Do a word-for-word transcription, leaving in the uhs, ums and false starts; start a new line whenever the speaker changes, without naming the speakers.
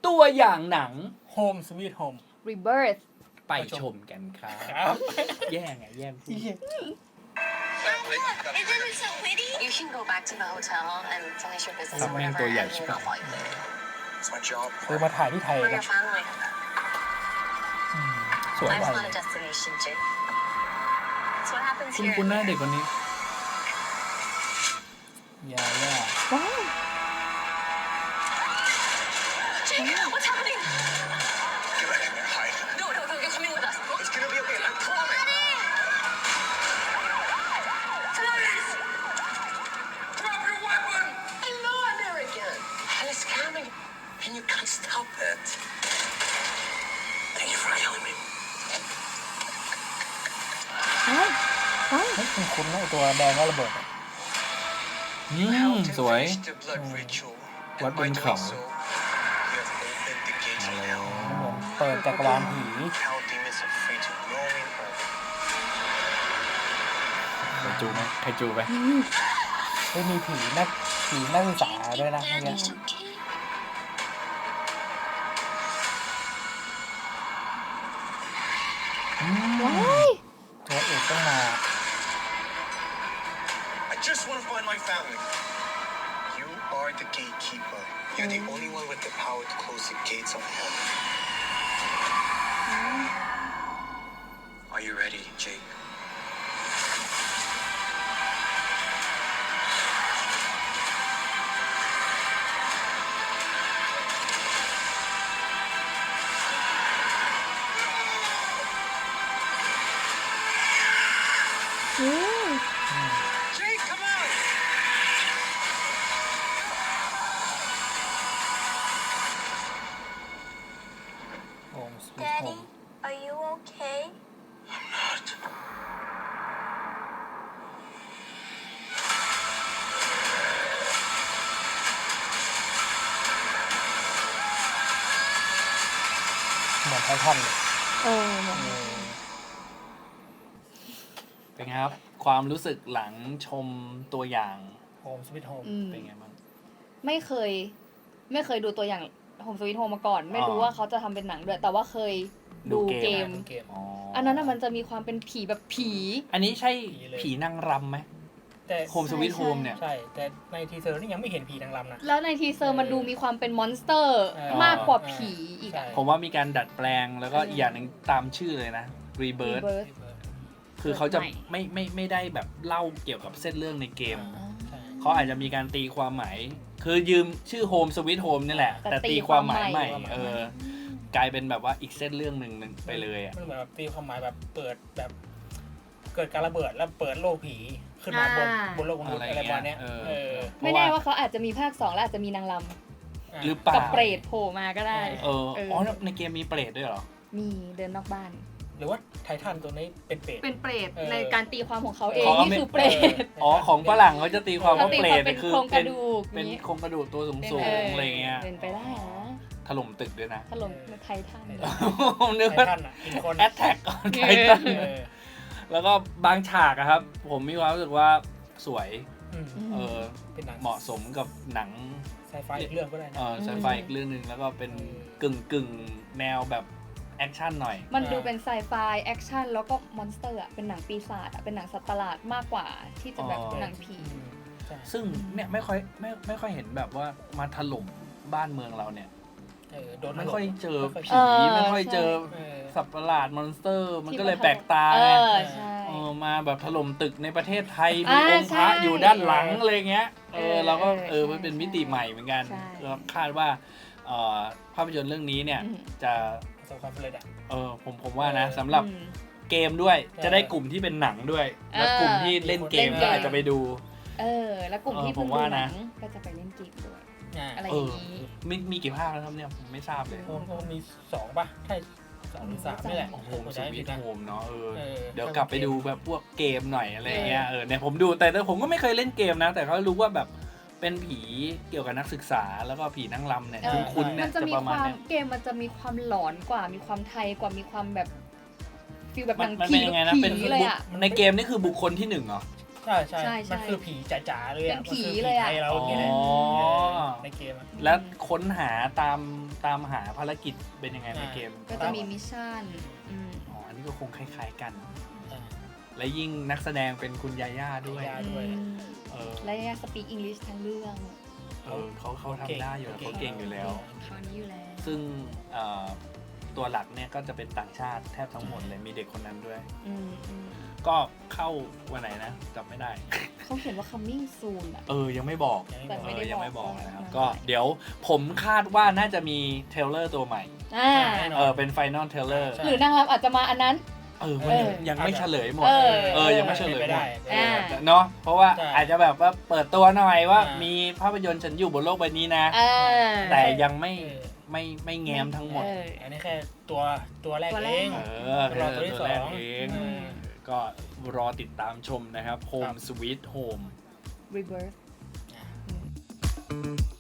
ตัวอย่างหนัง
Home Sweet Home
Rebirth
ไปชมกันครับ
ครับ
แย่งไงแย่งพูด
Isn't it so pretty? You can go back to the hotel and finish your business or whatever, and you're not like there.
It's my job.
คือมาถ่ายที่ไทย
For
นะ
your family.
สวย
Life's not a destination, Jake. It's what happens
คุณ
here.
คุณหน้าเด็กคนนี้
อย่าอย่า
ว้าว
Jake, what's happening?
Get back in there, hide.
No, no, no, you're coming with us.
It's gonna be okay, I promise. Freeze! Drop your weapon!
I know I'm arrogant.
Hell is coming, and you can't stop it. Thank you for killing me.
ว้าวว้าว
เฮ้ยคุณคุณนะไอ้ตัวแดงแล้วระเบิดอะ
อืม สวย
Finish the blood ritual.
What
And by
been
doing
called?
so, you have opened the gates of hell.
เหมือนเปิดจักรวาลผี
Hell demons are free to roam in earth.
ใครจูไหมใครจูไหม
เฮ้ยมีผีนักผีนักศึกษาด้วยนะเนี่ย
It's okay.
ว้าย
ตัวเอกต้องมา
I just want to find my family. You are the gatekeeper. You're the only one with the power to close the gates of hell. Are you ready, Jake? Jake, come on!
Home Sweet
Daddy,
Home
are you okay?
I'm not.
เหมือนไททันเลย
เออเหมือน
เออ
เป็นไงครับ ความรู้สึกหลังชมตัวอย่าง
Home Sweet Home
อืม
เป็นไงบ้าง
ไม่เคย ไม่เคยดูตัวอย่าง Home Sweet Home มาก่อน ไม่รู้
อ๋อ
ว่าเขาจะทำเป็นหนังด้วย แต่ว่าเคย
ดู
ดู
เก
เก
ม
ม
เกม
อ๋อ
อั
อั
นนั้นน่ะมันจะมีความเป็นผีแบบผี
อันนี้ใช่
ผีเลย
ผีนางรำไหม
แต่
โฮมสวิตโฮมเนี่ย
ใช่ แต่ในทีเซอร์นี่ยังไม่เห็นผีนางรำนะ
แล้วในทีเซอร์มันดูมีความเป็นมอนสเตอร์
เออ
มากกว่าผีอีกอะ
ใช่
ผมว่ามีการดัดแปลงแล้วก็
อืม
อีกอย่างหนึ่งตามชื่อเลยนะ Rebirth
Rebirth
คือเขาจะ
ใหม่
ไม่ไม่ไม่ได้แบบเล่าเกี่ยวกับเส้นเรื่องในเกม
อ่า
ใช่
เขาอาจจะมีการตีความหมาย คือยืมชื่อ Home Sweet Home นี่แหละ
แต่
แต่
ตี
ตีความหมาย
ความ
ให
ใหม่
ม่ เออ กลายเป็นแบบว่าอีกเส้นเรื่องหนึ่งไปเลยอ่ะ
มันเหมือนแบบตีความหมายแบบเปิดแบบ เกิดการระเบิดแล้วเปิดโลกผีขึ้นมาบน
อ่า
บนโลกมนุษย์
อะไร
อะไรประมาณ
เงี้
เนี้
ย
ย
เออ
เออ
เพ
ไม่
ราะ
แน่
ว่า
ว่าเขาอาจจะมีภาคสองแล้วอาจจะมีนางล
หรือ
ำ
เปล่า
กับเปรตโผล่มาก็ได้
เออ
เออ
อ๋อในเกมมีเปรตด้วยเหรอ
มีเดินนอกบ้าน
หรือว่าไททันตัวนี้เป็นเปรต
เป็นเปรต
เออ
ในการตีความของเขาเอง
ของ
นี่คือเปรต
อ๋อของฝรั่งเขาจะตีความว่า
เขาตี
เปร
ความ
ต
เป็น
คือ
โครงก
เป็
ระ
น
ดูก
เป็น
นี้
โครงกระดูกตัวสูงสูง
เออ
อะไรเงี้ย
เป็นไปได้นะ
ถล่มตึกด้วยนะ
ถล่มไททัน
ผมนึก
ไท
ว่า
ทันอ่ะกินคน
แอตแทกออนไททัน
เออ
แล้วก็บางฉากอะครับ ผมมีความรู้สึกว่าสวย
อืม
เออ
เป็นหนัง
เหมาะสมกับหนัง
ไซไฟอีกเรื่องก็ได้
เอ
นะ
อไซไฟอีกเรื่องหนึ่งแล้วก็เป็นกึ่งกึ่งๆแนวแบบแอคชั่นหน่อย
มันดูเป็นไซไฟแอคชั่นแล้วก็มอนสเตอร์อะเป็นหนังปีศาจอะเป็นหนังสัตว์ประหลาดมากกว่าที่จะแบบ
อ๋อ
หนังผี
อืมใช่
ซึ่งเนี่ยไม่ค่อยไม่ไม่ค่อยเห็นแบบว่ามาถล่มบ้านเมืองเราเนี่ย
เออโดน
ไม่ค่อยเจอ
ไม่ค่อย
ผี
เออ
ไม่ค่อยเจอ
เออ
สัตว์ประหลาดมอนสเตอร์ มัน
ที่
ก็เลย
มา
แปลกตา
เอ
ไง
อใช่
เออมาแบบถล่มตึกในประเทศไทย มี
อ่า
องค์พระ
ใช่
อยู่ด้านหลังอะไรเงี้ยเออ
เออ
เราก็
เออ
เออ
ใช่
มันเป็นมิติใหม่เหมือนกัน
ใช่
แล้วคาดว่าเอ่อภาพยนตร์เรื่องนี้เนี่ย
อืม
จะ
ประสบความสำเร็จอ่ะ
เออผมผมว่านะ
เออ
สำหรับ
อืม
เกมด้วย
ใช่
จะได้กลุ่มที่เป็นหนังด้วย แล้ว
เออ
กลุ่มที่เล่นเกม
เล่นเกม
ก็อาจจะไปดู
เออ แล้วกลุ่ม
เออ
ที่เพิ่ง
ผม
ดู
ว่า
หนั
นะ
งก็จะไปเล่นเกมด้วย
อ่า
อะไรอ
เอย่าง อ
นี้
มีมีกี่ภาคแล้วครับเนี่ยผมไม่ทราบเลย
โอ้โหมีสองป่ะใช่สองหรือสามนี่แหละ
โอ้โห
ผม
ส
จำไม่
วิ
ผิ
ต
ดนะ
โฮมเนาะเออ
เออ
เดี๋ยวกลับไปดูแบบพวกเกมหน่อยอะไรเงี้ยเออเนี่ยผมดูแต่แต่ผมก็ไม่เคยเล่นเกมนะ แต่เขารู้ว่าแบบเป็นผีเกี่ยวกับนักศึกษาแล้วก็ผีนั่งรำเนี่ย
เออ
คุ้นๆเนี่
มั
ย
นจะ
จะ
มี
ประ
ค
มาณ
วาม
เนี้ย
เกมมันจะมีความหลอนกว่ามีความไทยกว่ามีความแบบฟีลแบบห
มั
นั
น
ง
มัน
ผี
เป็นยังไงนะ
ผี
เป็น
เลยอะ
ในเกมนี่คือบุคคลที่หนึ่งเหรอ
ใใช่ใช่
ใช่ใช่
มันคือผีจ๋าๆเลย
เป็นผี
มันคือ
เลยอะ
ไทเราเนี่ยแหละ
อ๋อ
ในเกมอะ
แล้วค้นหาตามตามหาภารกิจเป็นยังไงในเกม
ก็จะมีมิชชั่นอืม
อ๋ออันนี้ก็คงคล้ายๆกัน
อ่า
และยิ่งนักแสดงเป็นคุณยาย่าด้วย
ยาย่า ด้วย
อืม
เออ
และยังสปีกอังกฤษทั้งเรื่อง
เออเขาเขาทำได้อยู่แล้วเขาเก่งอยู่แล้ว
คราวนี้อยู่แล้ว
ซึ่งเอ่อตัวหลักเนี่ยก็จะเป็นต่างชาติแทบทั้งหมดเลยมีเด็กคนนั้นด้วย
อืมอืม
ก็เข้าวันไหนนะจำไม่ได้
เขาเขียนว่า coming soon อะ
เออยังไม่บอก
ยัง
แต่
ไม่
เอ
บอก
อยังไม่บอก
ไม่ได้บอก
นะครับ
ว่า
ก็เดี๋ยวผมคาดว่าน่าจะมีเทรลเลอร์ตัวใหม่
อ่า
แน่นน
เออเป็นไฟนอลเทรลเลอร์
ใช่
หรือนางรำอาจจะมาอันนั้น
เออมันยัง
เออ
ยังไม่เฉลยหมด
เออ
เออยังไม่เฉลย
ไป
หม
ได้
ด
ไปได้
อ่า
เนาะเพราะว่า
ใช่
อาจจะแบบว่าเปิดตัวหน่อยว่า
อ่ามี
มีภาพยนตร์ฉันอยู่บนโลกใบนี้นะ
เออ
แต่ยังไม่
เออ
ไม่ไม่แง้มทั้งหมด
เออ
อันนี้แค่ตัวตัวแรก
ตัวแร
เอก ง
เออ
รอตัวที่
แรก
สอง
เอง
อืม
ก็รอติดตามชมนะครับ
ครั
Home
บ
Sweet Home
rebirth
อ่า